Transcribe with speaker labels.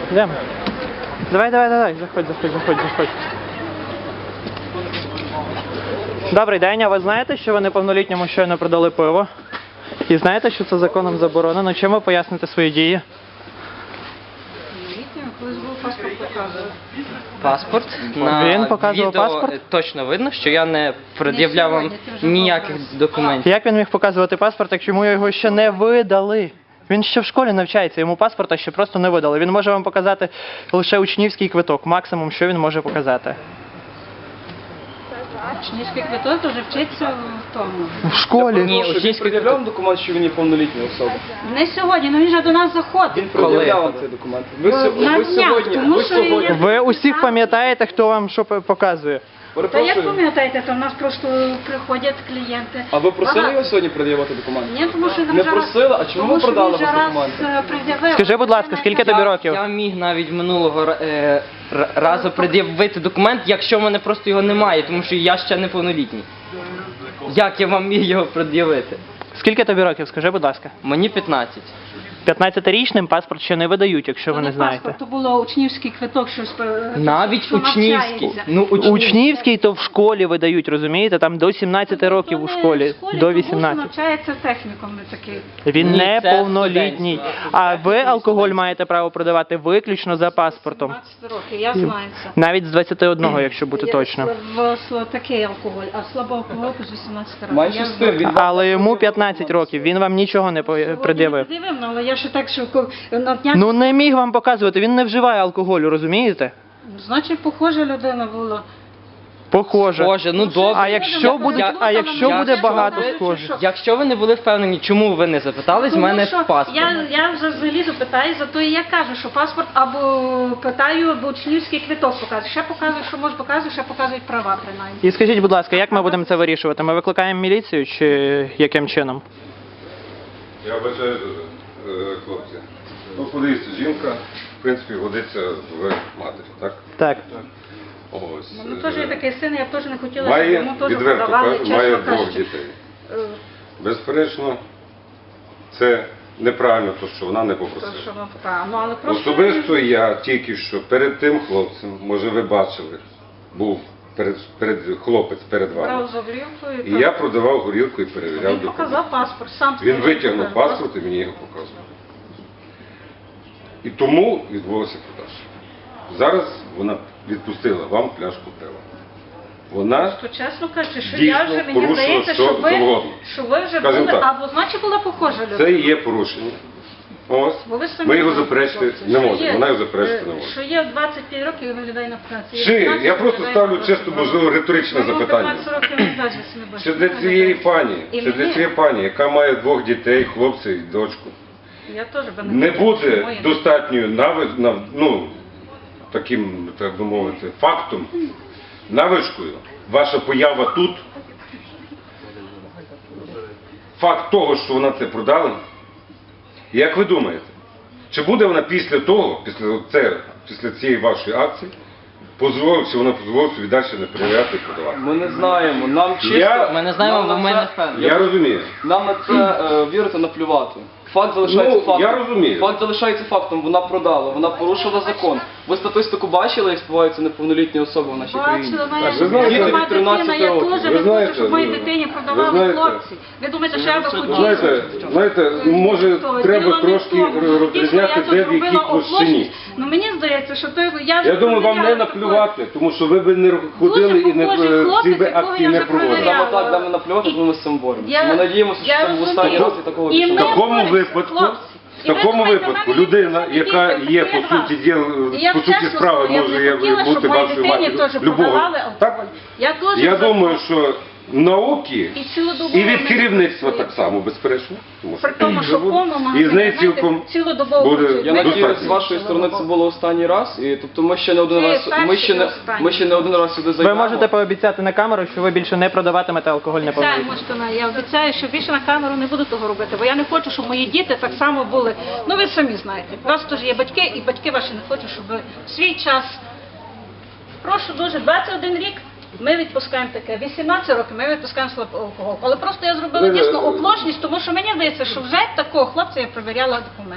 Speaker 1: Йдемо. Давай, заходь. Добрий день, а ви знаєте, що ви неповнолітньому щойно продали пиво? І знаєте, що це законом заборонено? Чим ви поясните свої дії?
Speaker 2: Колись був паспорт показував.
Speaker 3: Паспорт?
Speaker 1: Він показував
Speaker 3: відео
Speaker 1: паспорт?
Speaker 3: Точно видно, що я не пред'являв вам ніяких документів.
Speaker 1: Як він міг показувати паспорт, якщо йому його ще не видали? Він ще в школі навчається, йому паспорта ще просто не видали. Він може вам показати лише учнівський квиток, максимум, що він може показати.
Speaker 2: Учнівський квиток вже вчиться в тому.
Speaker 1: В школі?
Speaker 3: Ні,
Speaker 4: Він
Speaker 3: учнівський
Speaker 4: пред'являв документ, що він є повнолітня особа?
Speaker 2: Не сьогодні, але він же до нас заходить.
Speaker 4: Він пред'являв вам цей документ. Ви
Speaker 2: На днях, тому що я...
Speaker 1: Ви усіх пам'ятаєте, хто вам що показує?
Speaker 2: Та як
Speaker 4: Перепрошую.
Speaker 2: пам'ятаєте, то в нас просто приходять клієнти.
Speaker 4: А ви просили
Speaker 2: Багато.
Speaker 4: його сьогодні пред'явити документи?
Speaker 2: Ні, тому що він
Speaker 4: Не
Speaker 2: вже
Speaker 4: просили? А чому
Speaker 2: тому
Speaker 4: ви
Speaker 2: що
Speaker 4: продали
Speaker 2: він вже
Speaker 4: без
Speaker 2: раз,
Speaker 4: документів?
Speaker 2: пред'явив.
Speaker 1: Скажи, будь ласка, скільки тобі років?
Speaker 3: Я міг навіть минулого разу пред'явити документ, якщо в мене просто його немає, тому що я ще неповнолітній. Як я вам міг його пред'явити?
Speaker 1: Скільки тобі років, скажи, будь ласка?
Speaker 3: Мені 15.
Speaker 1: 15-річним паспорт ще не видають, якщо ви не знаєте.
Speaker 2: Паспорт, то було учнівський квиток, щось
Speaker 3: Навіть
Speaker 2: що
Speaker 3: учнівський.
Speaker 2: навчається.
Speaker 3: Ну,
Speaker 1: Учнівський то в школі видають, розумієте? Там до 17 років у школі, до 18.
Speaker 2: Навчається технікум не такий.
Speaker 1: Він
Speaker 3: Ні,
Speaker 1: не
Speaker 3: це
Speaker 1: повнолітній.
Speaker 3: студентський.
Speaker 1: А ви алкоголь маєте право продавати виключно за паспортом.
Speaker 2: 17 років, я знаю це.
Speaker 1: Навіть з 21, якщо бути точно.
Speaker 2: Такий алкоголь, а слабоалкогольку з 18 років.
Speaker 4: Менше
Speaker 2: Я
Speaker 4: з тим,
Speaker 2: знаю.
Speaker 4: він
Speaker 1: Але йому 15 років, він вам нічого не пред'явив.
Speaker 2: Не пред'явив, але я ще так, що на днях...
Speaker 1: Ну не міг вам показувати, він не вживає алкоголю, розумієте?
Speaker 2: Значить, похожа людина була.
Speaker 1: Похоже.
Speaker 3: Боже, ну добре.
Speaker 1: А якщо буде багато схожих?
Speaker 3: Якщо ви не були впевнені, чому ви не запитали з мене паспорт?
Speaker 2: Я вже взагалі запитаю, зато і я кажу, що паспорт або питаю, або учнівський квиток показує. Ще показують, що може показують, ще показують права принаймні.
Speaker 1: І скажіть, будь ласка, як ми будемо це вирішувати? Ми викликаємо міліцію чи яким чином?
Speaker 5: Я вважаю, хлопці. Ну, подивіться, жінка, в принципі, годиться в матері, так?
Speaker 1: Так.
Speaker 5: Ось.
Speaker 2: Ну, теж є такий син, я б теж не хотіла, щоб
Speaker 5: Має,
Speaker 2: йому теж
Speaker 5: відверто
Speaker 2: продавали,
Speaker 5: кажу, має
Speaker 2: чесно
Speaker 5: двох
Speaker 2: кажучи.
Speaker 5: дітей. Безперечно, це неправильно, то, що вона не попросила.
Speaker 2: То, що вам показано. Ну, але просто...
Speaker 5: Особисто я тільки що перед тим хлопцем, може ви бачили, був хлопець перед вами.
Speaker 2: Брав за горілкою.
Speaker 5: І я продавав горілку і перевіряв
Speaker 2: Він
Speaker 5: документи.
Speaker 2: показав паспорт, сам
Speaker 5: Він
Speaker 2: сказав,
Speaker 5: витягнув
Speaker 2: показав.
Speaker 5: паспорт і мені його показував. І тому відбулося продаж. Зараз вона відпустила вам пляшку пива. Вона
Speaker 2: То чесно кажучи, що
Speaker 5: дійсно
Speaker 2: я вже, мені
Speaker 5: порушила
Speaker 2: здається,
Speaker 5: що завгодно.
Speaker 2: що ви вже
Speaker 5: Скажімо
Speaker 2: були,
Speaker 5: так.
Speaker 2: або значить була похожа людина.
Speaker 5: це і є порушення. Ось.
Speaker 2: Бо ви самі
Speaker 5: Ми його
Speaker 2: знаєте,
Speaker 5: заперечити
Speaker 2: хлопці,
Speaker 5: не
Speaker 2: що
Speaker 5: можемо.
Speaker 2: є,
Speaker 5: Вона його заперечити не може.
Speaker 2: Що є в 25 років і виглядає на праці.
Speaker 5: Чи я просто ставлю чисто, можливо, риторичне запитання.
Speaker 2: 15 років не бачить, не бачить.
Speaker 5: Чи для цієї пані,
Speaker 2: І
Speaker 5: чи для
Speaker 2: мені-
Speaker 5: цієї пані, яка має двох дітей, хлопця і дочку,
Speaker 2: Я теж би
Speaker 5: не
Speaker 2: хотіла, щоб
Speaker 5: буде
Speaker 2: моє-
Speaker 5: достатньою таким, так би мовити, фактом, навичкою, ваша поява тут, факт того, що вона це продала, як ви думаєте, чи буде вона після того, після цієї вашої акції, чи вона дозволить собі далі не перевіряти і продавати?
Speaker 4: Ми не знаємо. Нам чисто...
Speaker 3: Ми не знаємо,
Speaker 4: нам
Speaker 3: бо
Speaker 4: на
Speaker 3: ми
Speaker 4: це-
Speaker 3: не впевнені.
Speaker 5: Я розумію.
Speaker 4: Нам на це вірити наплювати. Факт залишається
Speaker 5: Ну,
Speaker 4: фактом.
Speaker 5: я розумію.
Speaker 4: Факт залишається фактом. Вона продала, вона порушила закон. Ви статистику бачили, як співаються неповнолітні особи в нашій країні?
Speaker 2: Бачила, моя
Speaker 5: ви знаєте,
Speaker 2: жінка, моя
Speaker 4: від 13
Speaker 2: дитина, я
Speaker 4: років.
Speaker 2: теж
Speaker 5: Ви
Speaker 2: не хочу,
Speaker 5: знаєте,
Speaker 2: щоб моїй
Speaker 5: ну,
Speaker 2: дитині
Speaker 5: ви
Speaker 2: продавали
Speaker 5: знаєте,
Speaker 2: хлопці. Ви думаєте, що я би хотіла?
Speaker 5: Знаєте, може треба трошки розрізняти, де в якій площині.
Speaker 2: Ну мені здається, що той я вже
Speaker 5: Я думаю, вам не
Speaker 2: провіряла
Speaker 5: наплювати, тому що ви б не ходили і не
Speaker 2: похожий
Speaker 5: ці
Speaker 2: хлопець,
Speaker 5: би
Speaker 2: якого
Speaker 5: акції
Speaker 2: я
Speaker 5: не
Speaker 2: вже
Speaker 5: проводили.
Speaker 2: провіряла.
Speaker 4: Саме так, де ми наплювати, тому ми з цим боремося. Ми надіємося, що
Speaker 2: я
Speaker 4: це був останній
Speaker 2: розумію.
Speaker 4: раз і такого
Speaker 2: І
Speaker 4: більше
Speaker 2: ми
Speaker 4: не
Speaker 5: В такому
Speaker 2: борються,
Speaker 5: випадку,
Speaker 2: хлопці.
Speaker 5: в такому випадку людина, яка є по суті справи, може бути вашою матір'ю, любого. Так? Я думаю, що науки і від керівництва так само, безперечно. Тому
Speaker 2: При тому, що
Speaker 5: буде.
Speaker 2: повному
Speaker 5: І з неї цілком
Speaker 2: цілодобово
Speaker 5: буде
Speaker 2: працюють.
Speaker 4: Я
Speaker 2: Ми
Speaker 4: надію,
Speaker 5: достатньо.
Speaker 4: з вашої сторони це було останній раз, і тобто ми ще не один
Speaker 2: Це
Speaker 4: раз,
Speaker 2: перший і останній.
Speaker 4: ми ще не один раз сюди
Speaker 1: Ви
Speaker 4: зайдемо.
Speaker 1: можете пообіцяти на камеру, що ви більше не продаватимете алкоголь неповнолітнім.
Speaker 2: Я обіцяю, що більше на камеру не буду того робити, бо я не хочу, щоб мої діти так само були. Ну ви самі знаєте, у вас теж є батьки, і батьки ваші не хочуть, щоб ви в свій час. Прошу дуже, 21 рік. Ми відпускаємо таке, 18 років ми відпускаємо слабоалкоголь. Але просто я зробила дійсно оплошність, тому що мені здається, що вже такого хлопця я перевіряла документи.